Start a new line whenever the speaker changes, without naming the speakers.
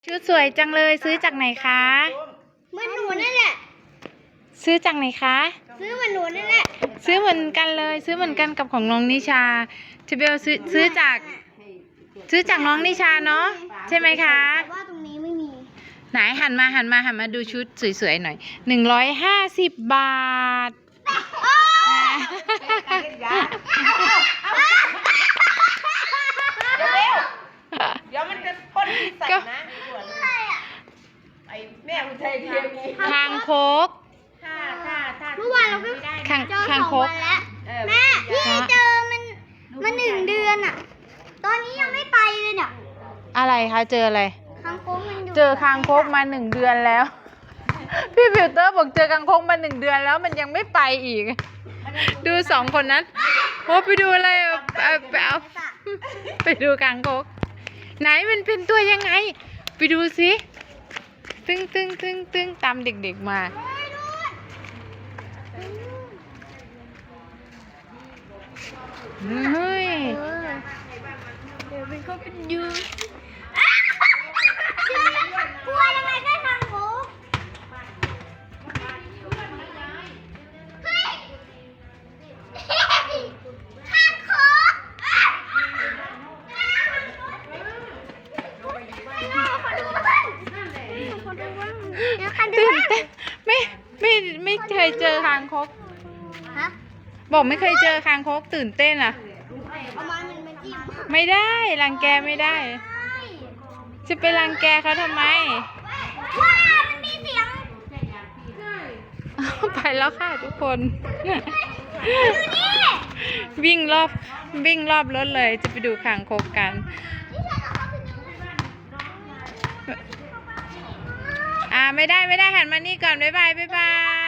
ชุดสวยจังเลยซื้อจากไหนคะ
เหมือนหนูนั่นแหละ
ซื้อจากไหนคะ
ซื้อเหมือนหนูนั่นแหละ
ซื้อเหมือนกันเลยซื้อเหมือนกันกับของน้องนิชาเชเบลซื้อจากน้องนิชาเนาะใช่ไหมคะ
แต่ว่าตรงนี้ไม่มี
ไหนหันมาดูชุดสวยๆหน่อย150 บาท
เดี๋ยวมันจะพ่นใส่นะไอ้แม่อุทัยเทียมี
คางคก
เมื่อวานเราก็เจอ2 วันแล้วแม่พี่เจอมัน1 เดือนอ่ะตอนนี้ยังไม่ไปเลยเนี่ย
อะไรคะเจออะไร
คางคกมันอยู่
เจอคางคกมา1 เดือนแล้วพี่ฟิลเตอร์บอกเจอคางคกมา1 เดือนแล้วมันยังไม่ไปอีกดู2 คนนั้นโอ้ไปดูอะไรไปดูคางคกไหนมันเป็นตัวยังไงไปดูสิตึ้งตามเด็กๆมาเฮ้ย
เดี๋ยวเป็นเขาเป็นยูกลัวยังไงก็คางคกเฮ้ยคางคก
ตื่นเต้นไม่เคยเจอคางคก
ฮะ
บอกไม่เคยเจอคางคกตื่นเต้นอ่ะ
เอามันมาจิ้ม
ไม่ได้รังแกไม่ได้จะไปรังแกเขาทำไม
ว้ามันมีเสียง
ไปแล้วค่ะทุกคน
ดูนี่
วิ่งรอบรถเลยจะไปดูคางคกกันไม่ได้หันมานี่ก่อนบ๊ายบาย